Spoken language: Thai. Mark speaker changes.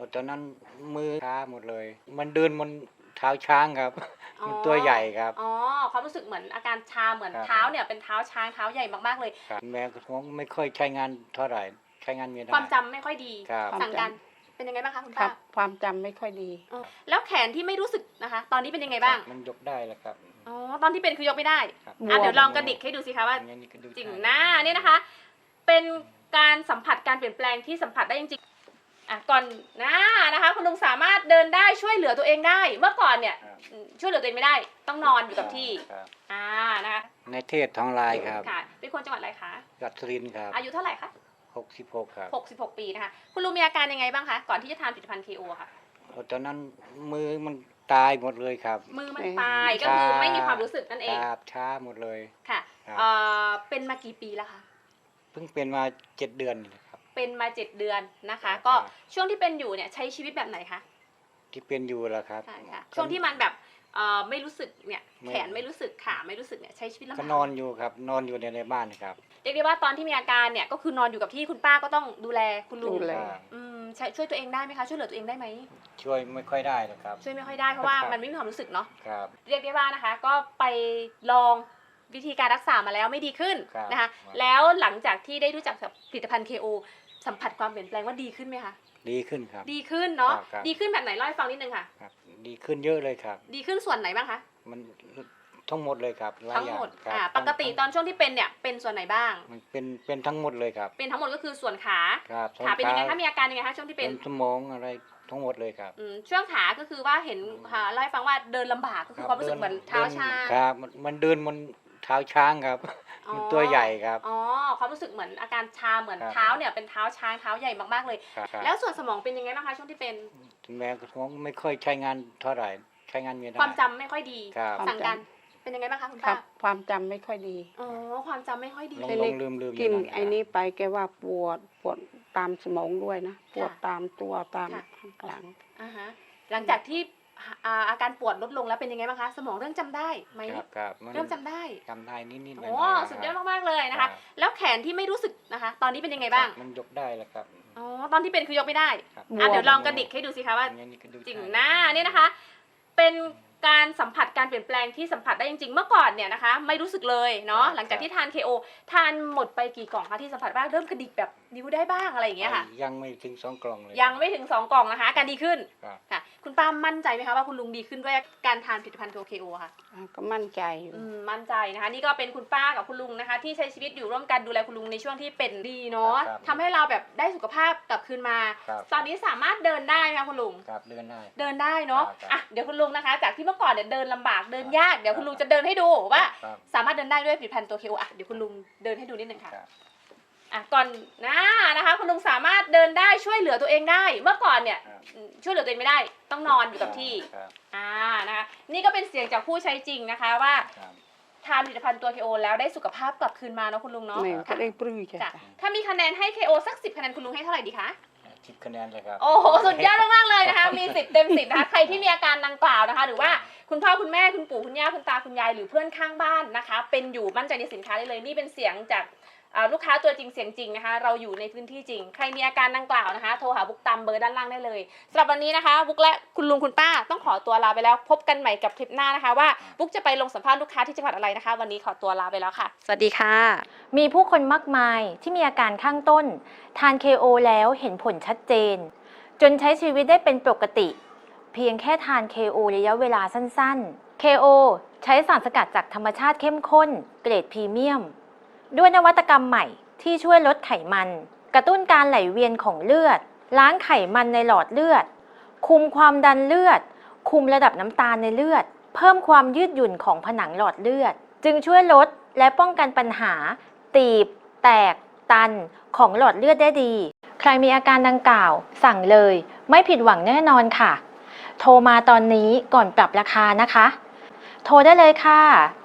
Speaker 1: ตอนนั้นมือช้าหมดเลย มันเดินบนเท้าช้างครับ มันตัวใหญ่ครับ
Speaker 2: อ๋อความรู้สึกเหมือนอาการชาเหมือนเท้าเนี่ยเป็นเท้าช้างเท้าใหญ่มากๆเลย
Speaker 1: แม้กระทั่งไม่ค่อยใช้งานเท่าไหร่ใช้งานไม่ได้
Speaker 2: ความจำไม่ค่อยดีสั่งการเป็นยังไงบ้างคะคุณป้า
Speaker 3: ความจำไม่ค่อยดี
Speaker 2: แล้วแขนที่ไม่รู้สึกนะคะ ตอนนี้เป็นยังไงบ้าง
Speaker 1: มันยกได้แล้วครับ
Speaker 2: อ๋อตอนที่เป็นคือยกไม่ได้เดี๋ยวลองกระดิกให้ดูสิคะว่าจริงหน้านี่นะคะ เป็นการสัมผัสการเปลี่ยนแปลงที่สัมผัสได้จริงๆก่อนหน้านะคะคุณลุงสามารถเดินได้ช่วยเหลือตัวเองได้เมื่อก่อนเนี่ยช่วยเหลือตัวเองไม่ได้ต้องนอนอยู่กับที่นะคะ
Speaker 1: ในเทศทองลายครับ
Speaker 2: ค่ะเป็นคนจังหวัดอะไรคะ
Speaker 1: จังหวัดสุรินทร์ครับ
Speaker 2: อายุเท่าไหร่คะ
Speaker 1: 66ครับ
Speaker 2: 66 ปีนะคะคุณลุงมีอาการยังไงบ้างคะก่อนที่จะทานผลิตภัณฑ์ KO ค่ะ
Speaker 1: ตอนนั้นมือมันตายหมดเลยครับ
Speaker 2: มือมันตายก็คือไม่มีความรู้สึกนั่นเอง
Speaker 1: ช้าหมดเลย
Speaker 2: ค่ะเป็นมากี่ปีแล้วคะ
Speaker 1: เพิ่งเป็นมา7 เดือนครับ
Speaker 2: เป็นมา7 เดือนนะคะก็ช่วงที่เป็นอยู่เนี่ยใช้ชีวิตแบบไหนคะ
Speaker 1: ที่เป็นอยู่แล้วครับ
Speaker 2: ใช่ค่ะช่วงที่มันแบบไม่รู้สึกเนี่ยแขนไม่รู้สึกขาไม่รู้สึกเนี่ยใช้ชีวิตลำบาก
Speaker 1: ก็นอนอยู่ครับนอนอยู่ในบ้านครับ
Speaker 2: เรียกได้ว่าตอนที่มีอาการเนี่ยก็คือนอนอยู่กับที่คุณป้าก็ต้องดูแลคุณลุงช่วยตัวเองได้ไหมคะช่วยเหลือตัวเองได้ไหม
Speaker 1: ช่วยไม่ค่อยได้นะครับ
Speaker 2: ช่วยไม่ค่อยได้เพราะว่ามันไม่มีความรู้สึกเนาะ
Speaker 1: ครับ
Speaker 2: เรียกได้ว่านะคะก็ไปลองวิธีการรักษามาแล้วไม่ดีขึ้นนะคะแล้วหลังจากที่ได้รู้จักกับผลิตภัณฑ์ KO สัมผัสความเปลี่ยนแปลงว่าดีขึ้นไหมคะ
Speaker 1: ดีขึ้นครับ
Speaker 2: ดีขึ้นเนาะดีขึ้นแบบไหนเล่าให้ฟังนิดนึงค่ะ
Speaker 1: ดีขึ้นเยอะเลยครับ
Speaker 2: ดีขึ้นส่วนไหนบ้างคะ
Speaker 1: มันทั้งหมดเลยครับ
Speaker 2: ทั้งหมดปกติตอนช่วงที่เป็นเนี่ยเป็นส่วนไหนบ้าง
Speaker 1: มันเป็นทั้งหมดเลยครับ
Speaker 2: เป็นทั้งหมดก็คือส่วนขา
Speaker 1: ขา
Speaker 2: เป็นยังไงคะมีอาการยังไงคะช่วงที่เป็น
Speaker 1: สมองอะไรทั้งหมดเลยครับ
Speaker 2: ช่วงขาก็คือว่าเห็นเล่าให้ฟังว่าเดินลำบากก็คือความรู้สึกเหมือนเท้าช้าง
Speaker 1: ครับมันเดินบนเท้าช้างครับมันตัวใหญ่ครับ
Speaker 2: อ๋อความรู้สึกเหมือนอาการชาเหมือนเท้าเนี่ยเป็นเท้าช้างเท้าใหญ่มากๆเลยแล้วส่วนสมองเป็นยังไงบ้างคะช่วงที่เป็น
Speaker 1: แม้กระทั่งไม่ค่อยใช้งานเท่าไหร่ใช้งานไม่ได้
Speaker 2: ความจำไม่ค่อยดีสั่งการเป็นยังไงบ้างคะคุณป้า
Speaker 3: ความจำไม่ค่อยดี
Speaker 2: อ๋อความจำไม่ค่อยดี
Speaker 1: ลืม
Speaker 3: กินไอ้นี้ไปแกว่าปวดตามสมองด้วยนะปวดตามตัวตามข้างหลัง
Speaker 2: หลังจากที่อาการปวดลดลงแล้วเป็นยังไงบ้างคะสมองเริ่มจำได้ไหมเริ่มจำได้
Speaker 1: นิดๆ
Speaker 2: โอ้สุดยอดมากๆเลยนะคะแล้วแขนที่ไม่รู้สึกนะคะตอนนี้เป็นยังไงบ้าง
Speaker 1: มันยกได้แล้วครับ
Speaker 2: อ๋อตอนที่เป็นคือยกไม่ได้เดี๋ยวลองกระดิกให้ดูสิคะว่าจริงหน้านี่นะคะเป็นการสัมผัสการเปลี่ยนแปลงที่สัมผัสได้จริงๆเมื่อก่อนเนี่ยนะคะไม่รู้สึกเลยเนาะหลังจากที่ทาน KO ทานหมดไปกี่กล่องคะที่สัมผัสบ้างเริ่มกระดิกแบบนิ้วได้บ้างอะไรอย่างเงี้ยค่ะ
Speaker 1: ยังไม่ถึง2 กล่องเลย
Speaker 2: ยังไม่ถึง2 กล่องนะคะการดีขึ้นค่ะคุณป้ามั่นใจไหมคะว่าคุณลุงดีขึ้นด้วยการทานผลิตภัณฑ์ KO ค่ะ
Speaker 3: ก็มั่นใจอยู่
Speaker 2: มั่นใจนะคะนี่ก็เป็นคุณป้ากับคุณลุงนะคะที่ใช้ชีวิตอยู่ร่วมกันดูแลคุณลุงในช่วงที่เป็นดีเนาะทำให้เราแบบได้สุขภาพกลับคืนมาตอนนี้สามารถเดินได้ไหมคะคุณลุง
Speaker 1: เดิน
Speaker 2: ได้เนาะเดี๋ยวคุณลุงนะคะจากที่เมื่อก่อนเนี่ยเดินลำบากเดินยากเดี๋ยวคุณลุงจะเดินให้ดูว่าสามารถเดินได้ด้วยผลิตภัณฑ์ตัว KO เดี๋ยวคุณลุงเดินให้ดูนิดนึงค่ะก่อนหน้านะคะคุณลุงสามารถเดินได้ช่วยเหลือตัวเองได้เมื่อก่อนเนี่ยช่วยเหลือตัวเองไม่ได้ต้องนอนอยู่กับที่นะคะนี่ก็เป็นเสียงจากผู้ใช้จริงนะคะว่าทานผลิตภัณฑ์ตัว KO แล้วได้สุขภาพกลับคืนมาเนาะคุณลุงเนาะ
Speaker 3: ได้ปลื้มจ้ะ
Speaker 2: ถ้ามีคะแนนให้ KO สัก10 คะแนนคุณลุงให้เท่าไหร่ดีคะ
Speaker 1: 10 คะแนนเลยครับ
Speaker 2: โอ้โหสุดยอดมากๆเลยนะคะมี10 เต็ม 10นะคะใครที่มีอาการดังกล่าวนะคะหรือว่าคุณพ่อคุณแม่คุณปู่คุณย่าคุณตาคุณยายหรือเพื่อนข้างบ้านนะคะเป็นอยู่มั่นใจในสินค้าได้เลยนี่เป็นเสียงจากลูกค้าตัวจริงเสียงจริงนะคะเราอยู่ในพื้นที่จริงใครมีอาการดังกล่าวนะคะโทรหาบุ๊กตามเบอร์ด้านล่างได้เลยสำหรับวันนี้นะคะบุ๊กและคุณลุงคุณป้าต้องขอตัวลาไปแล้วพบกันใหม่กับคลิปหน้านะคะว่าบุ๊กจะไปลงสัมภาษณ์ลูกค้าที่จังหวัดอะไรนะคะวันนี้ขอตัวลาไปแล้วค่ะสวัสดีค่ะ
Speaker 4: มีผู้คนมากมายที่มีอาการข้างต้นทาน KO แล้วเห็นผลชัดเจนจนใช้ชีวิตได้เป็นปกติเพียงแค่ทาน KO ระยะเวลาสั้นๆ KO ใช้สารสกัดจากธรรมชาติเข้มข้นเกรดพรีเมียมด้วยนวัตกรรมใหม่ที่ช่วยลดไขมันกระตุ้นการไหลเวียนของเลือดล้างไขมันในหลอดเลือดคุมความดันเลือดคุมระดับน้ำตาลในเลือดเพิ่มความยืดหยุ่นของผนังหลอดเลือดจึงช่วยลดและป้องกันปัญหาตีบแตกตันของหลอดเลือดได้ดีใครมีอาการดังกล่าวสั่งเลยไม่ผิดหวังแน่นอนค่ะโทรมาตอนนี้ก่อนปรับราคานะคะโทรได้เลยค่ะ